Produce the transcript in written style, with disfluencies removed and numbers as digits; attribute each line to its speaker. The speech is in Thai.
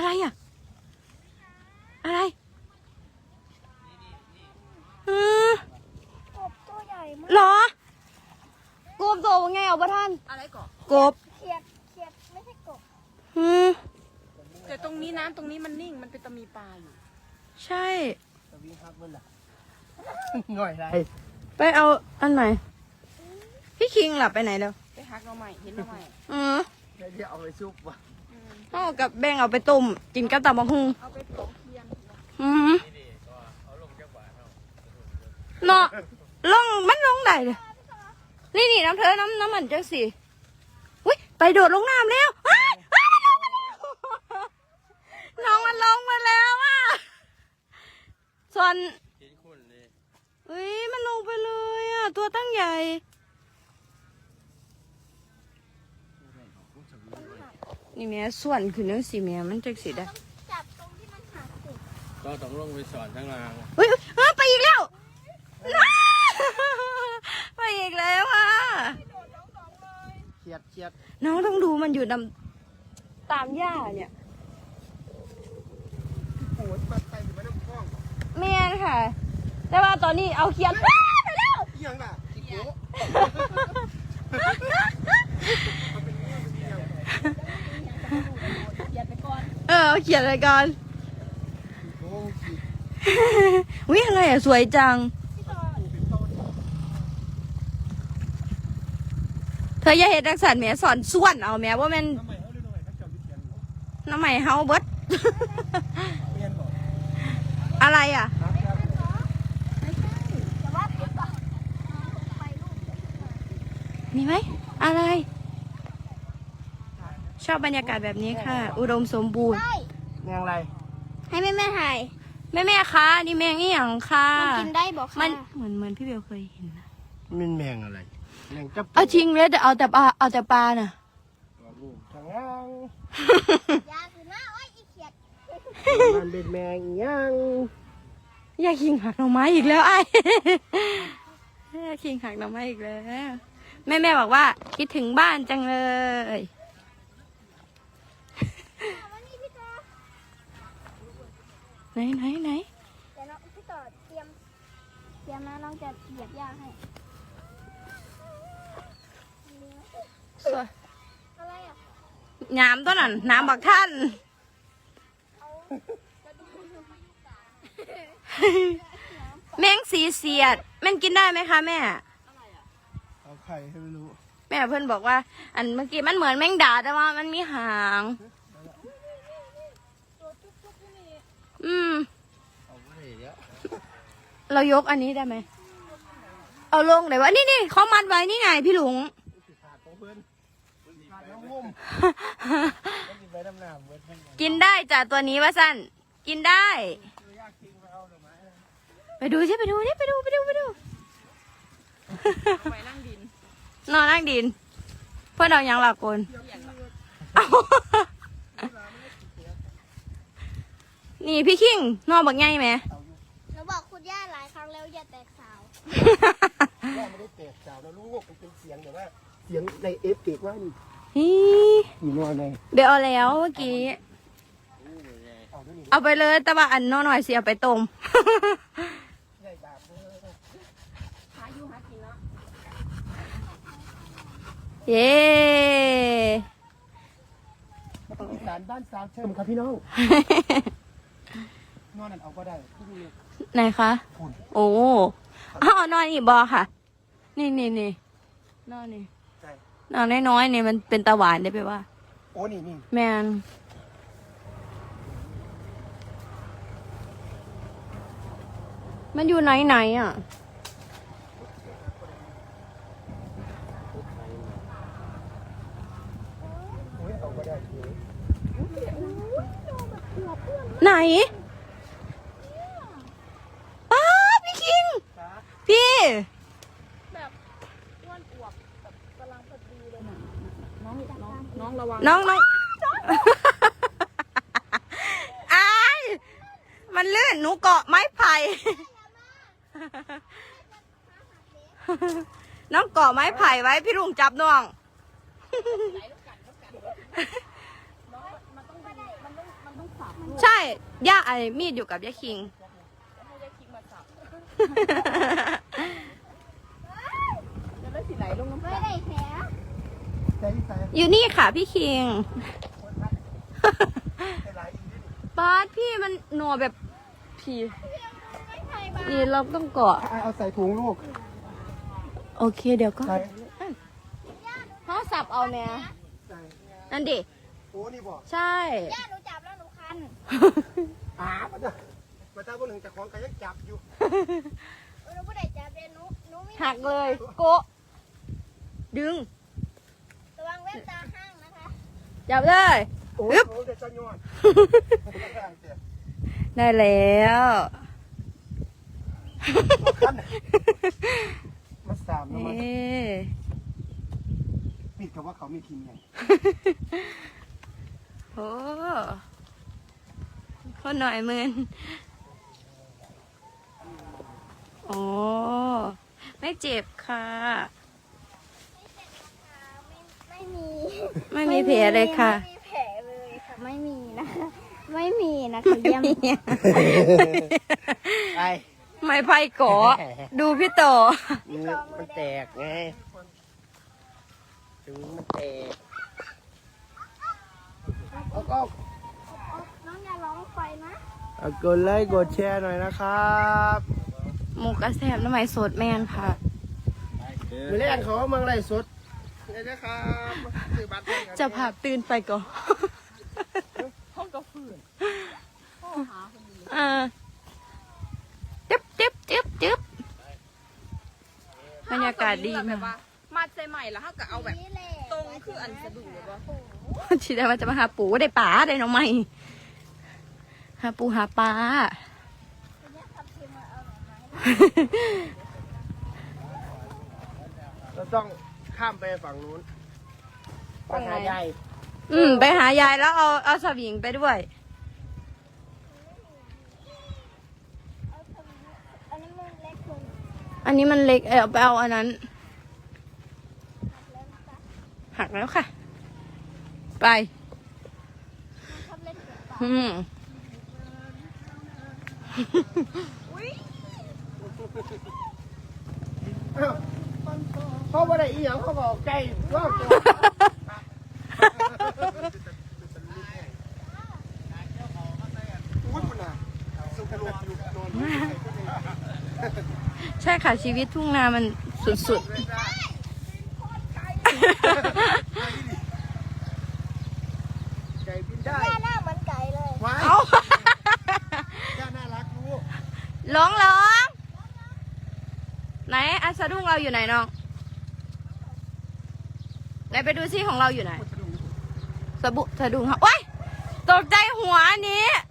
Speaker 1: อะไรอ่ะอะไร
Speaker 2: กบตัวใหญ่มาก
Speaker 1: หรอกบตัวไงเอาปะท่าน
Speaker 3: อะไรก่อน
Speaker 1: กบ
Speaker 2: เขียดไม่ใช่กบ
Speaker 3: แต่ตรงนี้น้ำตรงนี้มันนิ่งมันเป็นตะมีปลาอยู่
Speaker 1: ใช่
Speaker 4: ตะวิ่งครับมันล่ะหน่อยไร
Speaker 1: ไปเอาอันไหนพี่คิงหลับไปไหนแล้ว
Speaker 3: ไปหักเราใหม่เห็นเราใหม่
Speaker 4: เดี๋ยวเอาไปซุปว่ะ
Speaker 1: เอากับแบ่งเอาไปต้มกินกับตำบักหุ่ง
Speaker 3: เอาไปปอกเทียน
Speaker 1: เนาะลงมันลงได้เลยนี่น้ำเธอน้ำมันจังสิอุ้ยไปโดดลงน้ำแล้วน้องมันลงมาแล้วอ่ะส่วนอุ้ยมันลงไปเลยอ่ะตัวตั้งใหญ่นี่แม่ส่วนคือเนื้อสีแม่มันจังสิได้
Speaker 2: จับตรงที่มันหักสิ
Speaker 4: ก็ต้องลงไปสอนทั้งราง
Speaker 1: เฮ้ยไปอีกแล้วไปอีกแล้วอ่ะ
Speaker 4: เครียด
Speaker 1: น้องต้องดูมันอยู่ตามหญ้าเนี่ย
Speaker 4: โอ้ยปัดไปอยู่ไม่ต้องคล้อง
Speaker 1: แม่ค่ะ แต่ว่าตอนนี้เอาเขียนไปแล้ว
Speaker 4: ยังล่ะจิโก้
Speaker 1: เอาเขียนอะไรก่อนวิอะไรอ่ะสวยจังเธออย่าเห็นดักสันแม่สอนส่วนเอาแม่ว่ามันน้ำใหม่เฮาเบิดอะไรอ่ะมีไหมอะไรชอบบรรยากาศแบบนี้ค่ะ อุดมสมบูรณ์
Speaker 4: แมงอะไร
Speaker 2: ให้แม่ถ่าย
Speaker 1: แม่คะนี่แมงนี่อย่างค่ะ
Speaker 2: มันกินได้บอกค่ะ
Speaker 1: มันเหมือนพี่เบลเคยเห็นนะ
Speaker 4: มันแมงอะไรแมงจับ
Speaker 1: เอาจริงเลยแต่เอาแต่ปลาน่ะ
Speaker 4: ลูกทางล่าง
Speaker 2: ยาคือหน้าอ้อยอีเขียด
Speaker 4: มันเป็นแมงยัง
Speaker 1: อยากขิงหักหน่อไม้อีกแล้วไอ้อยากขิงหักหน่อไม้อีกแล้วแม่บอกว่าคิดถึงบ้านจังเลยไหน
Speaker 2: เดี๋ยวน้องพี่ต่อเตรียมนะน้องจะเหยียบหญ้าให้อะไรอ่ะ
Speaker 1: น้ำตัวนั้นน้ำบักท่านแมงสีเสียดมันกินได้ไหมคะแม่
Speaker 4: เอาไข่ให้ไม่รู้
Speaker 1: แม่เพื่อนบอกว่าอันเมื่อกี้มันเหมือนแมงดาแต่ว่ามันมีหางเรายกอันนี้ได้ไหมเอาลงไหนวะนี่เขามัดไว้นี่ไงพี่หลุงกินได้จ้ะตัวนี้ว่าสั้นกินได้ไปดูสิไปดูไปดูไปนั่งดินนอนนั่งดินเพื่อนเรายังหลับคนนี่พี่คิงนอนบักไงไหม
Speaker 2: เราบอกคุณย่าหลายครั้งแล้วอย่าแตกสาว
Speaker 4: ย่าไม่ได้แตกสาวแล้วลูกมันเป็นเสียงแต่ว่าเสียงในเอฟเฟกต์ว่านี่นอนใน
Speaker 1: เดี๋ยวเอาแล้วเมื่อกี้เอาไปเลยแต่ว่าอันน้อยหน่อยสิเอาไปต้มเย้
Speaker 4: สารบ้านสาวเชิมครับพี่น้องนอนนั่นเอาก็ได้
Speaker 1: ไหนคะโอ้นอนอีกบอค่ะนี่นอนนี่นอนน้อยๆนี่มันเป็นตาหวานได้ไปว่า
Speaker 4: โอ้นี่
Speaker 1: แมนมันอยู่ไหนอ่ะไหนป้าพี่คิงพี่
Speaker 3: แบบอ้วนอวบแบบกำลังพอดีเลยน้องระวัง
Speaker 1: น้องไอ้มันลื่นหนูเกาะไม้ไผ่น้องเกาะไม้ไผ่ไว้พี่ลุงจับน้อง
Speaker 3: มันต้องขวา
Speaker 1: ย่าไอ้มีดอยู่กับย่าคิง
Speaker 3: ให้ยายคิงมาสับจะได้สีไหนลงน้ำ
Speaker 2: ไม่
Speaker 3: ตา
Speaker 2: ได้แผล
Speaker 4: ใส่ใส่
Speaker 1: อยู่นี่ค่ะพี่คิง
Speaker 4: ใส่หลายอีกนิด
Speaker 1: บาสพี่มันหนัวแบบพี่
Speaker 2: ไม่ใช่บ้า
Speaker 1: นี่เราต้องเกาะ
Speaker 4: เอาใส่ถุงลูก
Speaker 1: โอเคเดี๋ยวก็
Speaker 4: ใส่
Speaker 1: เขาสับเอาแม่
Speaker 4: ใส่
Speaker 1: นั่นดิ
Speaker 4: โอ้นี่บอก
Speaker 1: ใช่
Speaker 2: ย่าหนูจับแล้วหนูคัน
Speaker 4: มาจ้ะมาจ้าพวกหนึ่งแต่ของกันยังจับอยู่
Speaker 2: หนูไม่ได้จับเลยหนูมี
Speaker 1: หักเลยโกะดึง
Speaker 2: ระวังแว่นตาห้างนะคะ
Speaker 1: จับเลย
Speaker 4: โอ้
Speaker 1: อึ๊บ
Speaker 4: โหเด็ดจะยอด
Speaker 1: ได้แล้ว
Speaker 4: มาสามแล้ว
Speaker 1: เอ
Speaker 4: มา
Speaker 1: ๊ะ
Speaker 4: ปิดกับว่าเขามีทีมไง
Speaker 1: โอ้คนหน่อยมืนโอ้ไม่เจ็บค่ะ
Speaker 2: ไม่มี
Speaker 1: ไม่มีแผลเลยค่ะ
Speaker 2: ไม่มีแผลเลยค่ะไม่มีนะคะไม่มีนะคะเยี่ยม
Speaker 4: ไอ
Speaker 1: ไม่ไพ่โกะดูพี่โต
Speaker 4: มันแตกไงถึงมันแตกเอาก็
Speaker 2: น้องอย่าร้องไฟนะ
Speaker 4: กดไลค์กดแชร์หน่อยนะครับ
Speaker 1: หมูกระแสบน้ำไหมสดแมนค่ะ
Speaker 4: มือแรกเขาเมืองไรสดเลยนะครับซื้อบัตรให้กัน
Speaker 1: จะพาตื่นไปก่อน
Speaker 3: ห้องกระฟืน
Speaker 1: จึ๊บจึ๊บจึ๊บจึ๊บบรรยากาศดี
Speaker 3: แบ
Speaker 1: มา
Speaker 3: บว่าก มาใส่ใหม่แล้วเขาก็เอาแบบ
Speaker 2: นี่แหละ
Speaker 3: ตรงคืออันสะดุดหรือว่า
Speaker 1: ทีแรกมันจะมาหาปูได้ป่าได้น้องใหม่หาปูหาปลา
Speaker 4: เราต้องข้ามไปฝั่งนู้นไปหาใหญ่
Speaker 1: ไปหายายแล้วเอาสวิงไปด้วย
Speaker 2: อันนี้มันเล็กลง
Speaker 1: อันนี้มันเล็กเอาไปเอาอันนั้น หักแล้วค่ะ ไป
Speaker 2: ชอบเล่นเสือป่า
Speaker 4: เขาบ่ได้อีหยังเขาบอกไก่รอบตัวอุ้ยคุณน่ะสุกโลกอยู่นอน
Speaker 1: ใช่ค่ะชีวิตทุ่งนามันสุด
Speaker 4: ไก่บินได้
Speaker 2: ย่าหน้าเหมือนไก่เลย
Speaker 4: ว้า
Speaker 1: ๆ
Speaker 4: ย
Speaker 1: เอา
Speaker 4: ย่าน่ารักลูก
Speaker 1: ร้องไหนอันสะดุ้งเราอยู่ไหนน้องไหนไปดูซิของเราอยู่ไหนสะดุ้งเขาโอ๊ยตกใจหัวอันนี้